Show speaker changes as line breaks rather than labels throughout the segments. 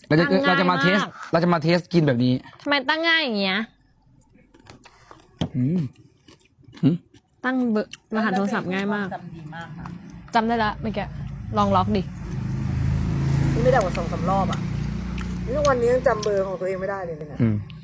เราจะมาเทสกินแบบนี้
ทำไมตั้งง่ายอย่างเงี้ยตั้งเบอร์รหัสโทรศัพท์ง่ายมาก
จำดีมากค่ะ
จำได้ละเมื่อกี้ลองล็อกดิ
นี่ไม่ได้กว่า2-3 รอบอ่ะนี่วันนี้ยังจำเบอร์ของตัวเองไม่ได้เลยเนี่ย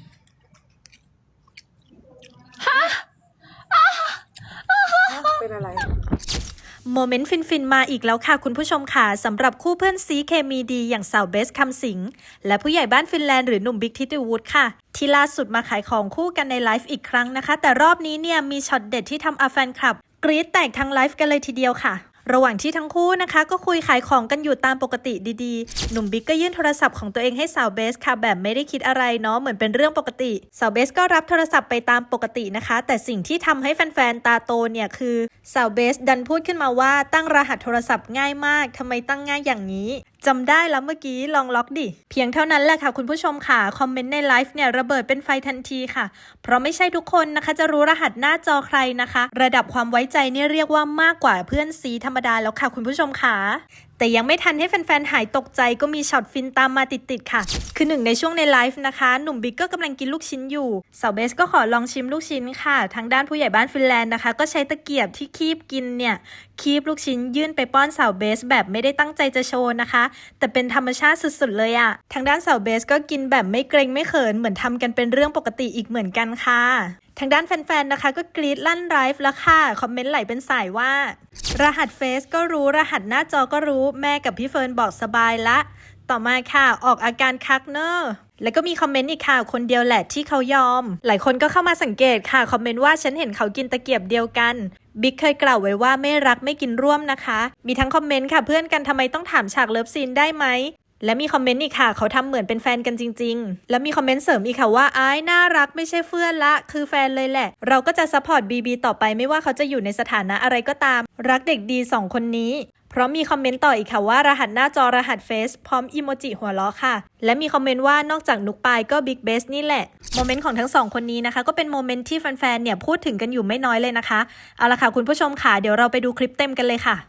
เป็นอะไร
โมเมนต์ฟินๆมาอีกแล้วค่ะคุณผู้ชมค่ะสำหรับคู่เพื่อนซีเคมีดีอย่างสาวเบสคำสิงและผู้ใหญ่บ้านฟินแลนด์หรือหนุ่มบิ๊กทิติวูดค่ะที่ล่าสุดมาขายของคู่กันในไลฟ์อีกครั้งนะคะแต่รอบนี้เนี่ยมีช็อตเด็ดที่ทำเอาแฟนคลับกรี๊ดแตกทั้งไลฟ์กันเลยทีเดียวค่ะระหว่างที่ทั้งคู่นะคะก็คุยขายของกันอยู่ตามปกติดีๆหนุ่มบิ๊กก็ยื่นโทรศัพท์ของตัวเองให้สาวเบสค่ะแบบไม่ได้คิดอะไรเนาะเหมือนเป็นเรื่องปกติสาวเบสก็รับโทรศัพท์ไปตามปกตินะคะแต่สิ่งที่ทำให้แฟนๆตาโตเนี่ยคือสาวเบสดันพูดขึ้นมาว่าตั้งรหัสโทรศัพท์ง่ายมากทำไมตั้งง่ายอย่างนี้จำได้แล้วเมื่อกี้ลองล็อกดิเพียงเท่านั้นแหละค่ะคุณผู้ชมค่ะคอมเมนต์ในไลฟ์เนี่ยระเบิดเป็นไฟทันทีค่ะเพราะไม่ใช่ทุกคนนะคะจะรู้รหัสหน้าจอใครนะคะระดับความไว้ใจเนี่ยเรียกว่ามากกว่าเพื่อนซีธรรมดาแล้วค่ะคุณผู้ชมค่ะแต่ยังไม่ทันให้แฟนๆหายตกใจก็มีช็อตฟินตามมาติดๆค่ะคือหนึ่งในช่วงในไลฟ์นะคะหนุ่มบิ๊กก็กำลังกินลูกชิ้นอยู่สาวเบสก็ขอลองชิมลูกชิ้นค่ะทางด้านผู้ใหญ่บ้านฟินแลนด์นะคะก็ใช้ตะเกียบที่คีบกินเนี่ยคีบลูกชิ้นยื่นไปป้อนสาวเบสแบบไม่ได้ตั้งใจจะโชว์นะคะแต่เป็นธรรมชาติสุดๆเลยอะทางด้านสาวเบสก็กินแบบไม่เกรงไม่เขินเหมือนทำกันเป็นเรื่องปกติอีกเหมือนกันค่ะทางด้านแฟนๆนะคะก็กรี๊ดลั่นไลฟ์แล้วค่ะคอมเมนต์ไหลเป็นสายว่ารหัสเฟซก็รู้รหัสหน้าจอก็รู้แม่กับพี่เฟิร์นบอกสบายละต่อมาค่ะออกอาการคักเนอร์แล้วก็มีคอมเมนต์อีกค่ะคนเดียวแหละที่เขายอมหลายคนก็เข้ามาสังเกตค่ะคอมเมนต์ว่าฉันเห็นเขากินตะเกียบเดียวกันบิ๊กเคยกล่าวไว้ว่าไม่รักไม่กินร่วมนะคะมีทั้งคอมเมนต์ค่ะเพื่อนกันทำไมต้องถามฉากเลิฟซีนได้ไหมและมีคอมเมนต์อีกค่ะเขาทำเหมือนเป็นแฟนกันจริงๆแล้วมีคอมเมนต์เสริมอีกค่ะว่าอ้ายน่ารักไม่ใช่เฟื่อนละคือแฟนเลยแหละเราก็จะซัพพอร์ตบีต่อไปไม่ว่าเขาจะอยู่ในสถานะอะไรก็ตามรักเด็กดี2คนนี้เพราะมีคอมเมนต์ต่ออีกค่ะว่ารหัสหน้าจอรหัสเฟซพร้อมอีโมจิหัวเราะค่ะและมีคอมเมนต์ว่านอกจากนุกปายก็บิ๊กเบสนี่แหละโมเมนต์ของทั้ง2คนนี้นะคะก็เป็นโมเมนต์ที่แฟนๆเนี่ยพูดถึงกันอยู่ไม่น้อยเลยนะคะเอาละค่ะคุณผู้ชมค่ะเดี๋ยวเราไปดูคลิปเต็มกันเลยค่ะ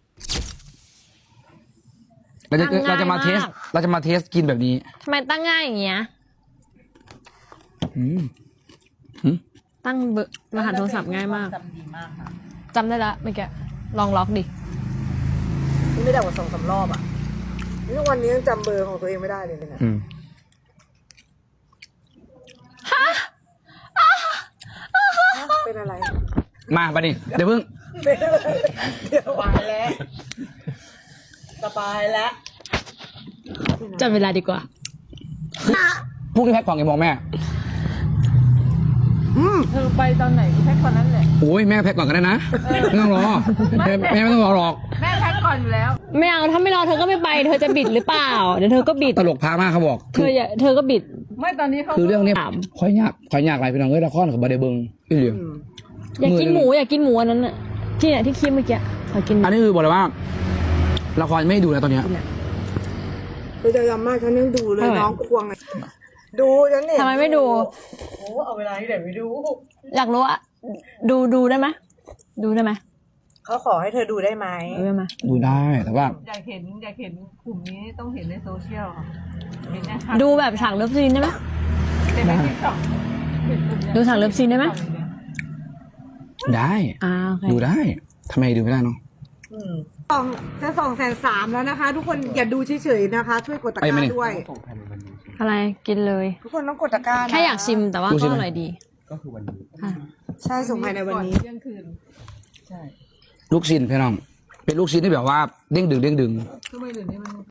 เราจะมาเทสกินแบบนี้
ทำไมตั้งง่ายอย่างเงี้ยตั้งเบอร์รหัสโทรศัพท์ง่ายมาก
จำดีมากค่ะ
จำได้ละเมื่อกี้ลองล็อกดิ
นี่ไม่ได้กว่า2-3 รอบอ่ะนี่วันนี้ยังจำเบอร์ของตัวเองไม่ได้เลยเนี่ยเป็นอะไร
มาปะนี่เดี๋ยวเพิ่ง
เดี๋ยวไปแล้วสบายแล้ว
จับเวลาดีกว่า
พรุ่งนี้แพ็คของกี่โมงแม่
เธอไปตอนไหนแพ็คก่อนนั้นแหละ
โอ้ยแม่แพ็คก่อนก็ได้นะไม่ต้องรอแม่ไม่ต้องรอหรอก
แม่แพ็คก่อนอยู่แล้ว
ไม่เอาถ้าไม่รอเธอก็ไม่ไปเธอจะบิดหรือเปล่าเดี๋ยวเธอก็บิด
ตลกพามากเขาบอก
เธอก็บิด
ไม่ตอนนี้เขา
คือเรื่องนี้ค่อยยากอะไรพี่น้องเอ้ยละครกับบาเดเบิงอีเหลียว
อยากกินหมูอันนั้นน่ะที่เนี่ยที่คิดเมื่อกี้ขอกิน
อันนี้คือบอกเลยว่าละครไม่ดูนะตอนนี้
คือจะยำมากฉันยังดูเลยน้องควงดูฉันเนี่ย
ทำไมไม่ดู
โอ้เอาเวลาที่ไหนไปดู
อยากรู้อะดูได้ไหม
เขาขอให้เธอดูได้ไหม
ดูได้แต่ว่า
อยากเห็นกลุ่มนี้ต้องเห็นในโซเชียล
ดูแบบฉากเลิฟซีนได้ไหมดูฉากเลิฟซีนได้ไหม
ได้ดูได้ทำไมดูไม่ได้เนาะ
จะ230,000แล้วนะคะทุกคนอย่าดูเฉยๆนะคะช่วยกดตะกร้าด้วย
อะไรกินเลย
ทุกคนต้องกดตะกร้า
แค่อยากชิมแต่ว่าก็อร่อยดี
ก็คือวันนี้
ใช่ส่งภายในวันนี้เที่ยงคืนใช่
ลูกชิ้นพี่น้องเป็นลูกชิ้นที่แบบว่าเด้งดึง
ทำไมเดี๋ยวนี้มัน